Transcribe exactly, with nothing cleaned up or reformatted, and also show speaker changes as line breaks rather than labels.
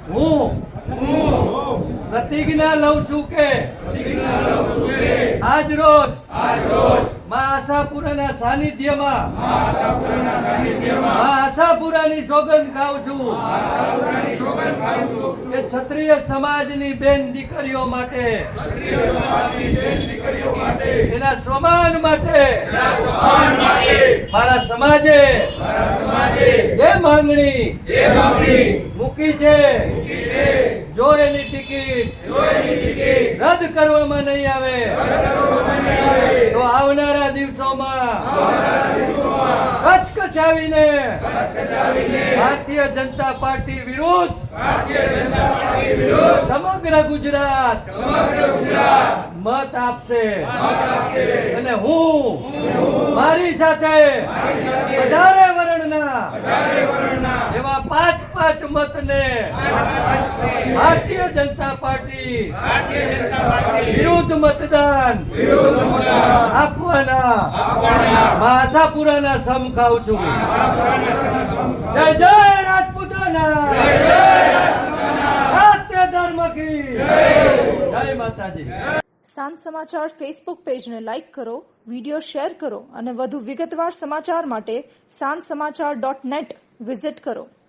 હું પ્રતિજ્ઞા લઉં છું કે આજ રોજ મા આશાપુરાના સાનિધ્યમાં મા આશાપુરાની સોગંદ ખાઉં છું કે ક્ષત્રિય સમાજની બેન દીકરીઓ માટે એના સ્વમાન માટે મારા સમાજે જે માંગણી મૂકી છે જો એની ટિકિટ રદ કરવામાં નહીં આવે તો આવનારા દિવસોમાં કચકચાવીને ભારતીય જનતા પાર્ટી વિરુદ્ધ સમગ્ર ગુજરાત મત આપશે અને હું મારી સાથે વધારે વર્ણના એવા પાંચ પાંચ મતને ભારતીય જનતા પાર્ટી વિરુદ્ધ મતદાન આપવાના મા આશાપુરાના સમ ખાઉં છું. જય જય રાજપૂતાના, રાષ્ટ્ર ધર્મ કી જય માતાજી.
સાંજ સમાચાર ફેસબુક પેજને લાઇક કરો, વિડીયો શેર કરો અને વધુ વિગતવાર સમાચાર માટે સાંજ સમાચાર ડોટ નેટ વિઝિટ કરો.